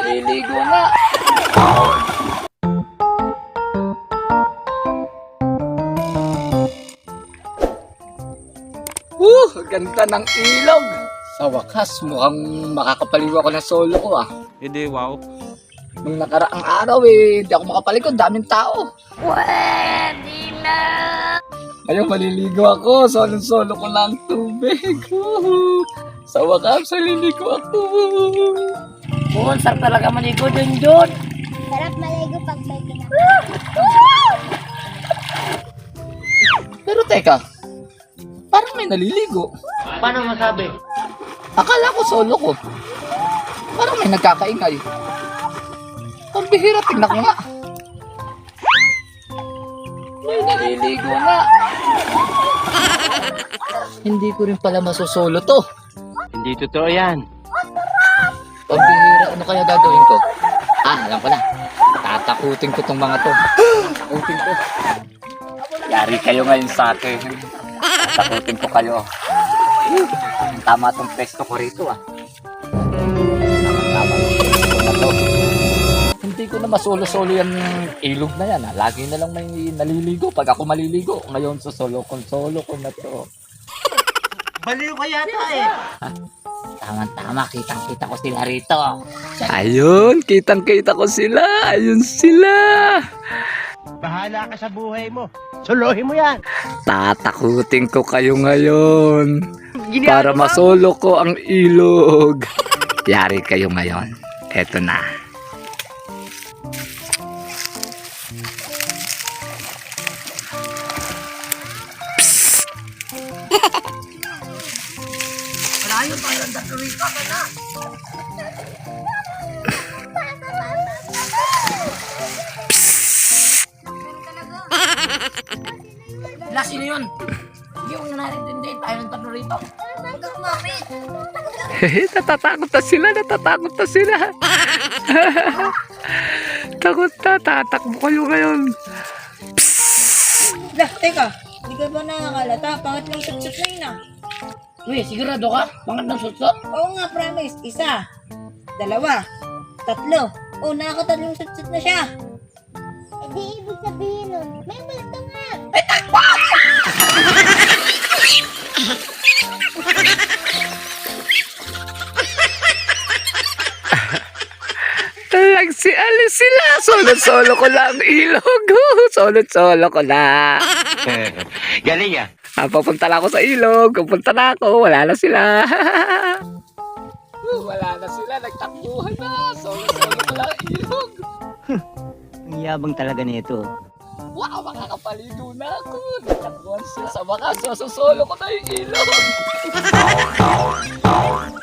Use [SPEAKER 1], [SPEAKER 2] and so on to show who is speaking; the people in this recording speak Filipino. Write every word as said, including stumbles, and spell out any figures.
[SPEAKER 1] naliligo na. Uh, ganda ng ilog. Sa wakas, mukhang makakapaligo ako ng solo ko ah.
[SPEAKER 2] Hindi, wow.
[SPEAKER 1] Nung nakaraang araw eh, hindi ako makapaligo, daming tao.
[SPEAKER 3] Pwede na.
[SPEAKER 1] Ngayon maliligo ako, solo-solo ko lang tubig. Uh, sa wakas, maliligo ako.
[SPEAKER 3] Oh, sarap talaga maligo dun dun.
[SPEAKER 4] Sarap maligo pag may kinakain.
[SPEAKER 1] Pero teka, parang may naliligo.
[SPEAKER 3] Paano masabi?
[SPEAKER 1] Akala ko solo ko. Parang may nagkakaingay. Pambihira, tingnan ko nga. May naliligo na. Hindi ko rin pala masusolo to.
[SPEAKER 2] Hindi totoo yan.
[SPEAKER 1] Pambihira, ano kaya gagawin ko? Ah, alam ko na. Tatakutin ko tong mga to. Tatakutin ko. Yari kayo ngayon sa akin. Tatakutin ko kayo. Tama tong pesto ko rito ah. Tama tong pesto ko na to. Hindi ko na masolo-solo yung ilog na yan ah. Lagi na lang may naliligo pag ako maliligo. Ngayon sa solo kong solo ko na to.
[SPEAKER 2] Baliw ka yata eh.
[SPEAKER 1] Tama-tama, kitang-kita ko sila rito. Ayun, kitang-kita ko sila. Ayun sila.
[SPEAKER 2] Bahala ka sa buhay mo. Solohin mo yan.
[SPEAKER 1] Tatakutin ko kayo ngayon. Para masolo ko ang ilog. Yari kayo ngayon. Eto na.
[SPEAKER 3] Malayo pa yung datuloy ka ka na. Wala, sino yun? Hindi ko na narintindi. Tayo ng tatlo rito. Huwag ka kumapit.
[SPEAKER 1] Natatakot na sila, natatakot na sila. Takot na, tatakbo kayo ngayon.
[SPEAKER 5] Lah, teka. Hindi ka ba nakakalata? Pangatlong sutsut na yun ah.
[SPEAKER 3] Uy, sigurado ka? Pangat ng sutso?
[SPEAKER 5] Oo nga, promise. Isa. Dalawa. Tatlo. Oh, nakakatatlong sutsut na siya.
[SPEAKER 4] Eh di ibig sabihin nun, may multo nga.
[SPEAKER 1] Nagsialis sila. Solo-solo ko lang ilog. Solo-solo ko na.
[SPEAKER 2] Galing ah.
[SPEAKER 1] Ah, papunta na ako sa ilog. Papunta na ako. Wala na sila. Wala na sila. Nagtakbuhan na. Solo-solo ko lang ilog.
[SPEAKER 2] Ang yabang talaga nito.
[SPEAKER 1] Wow, makakapaligo na ako. Nagtakbuhan sila sa wakas. Solo ko na yung ilog.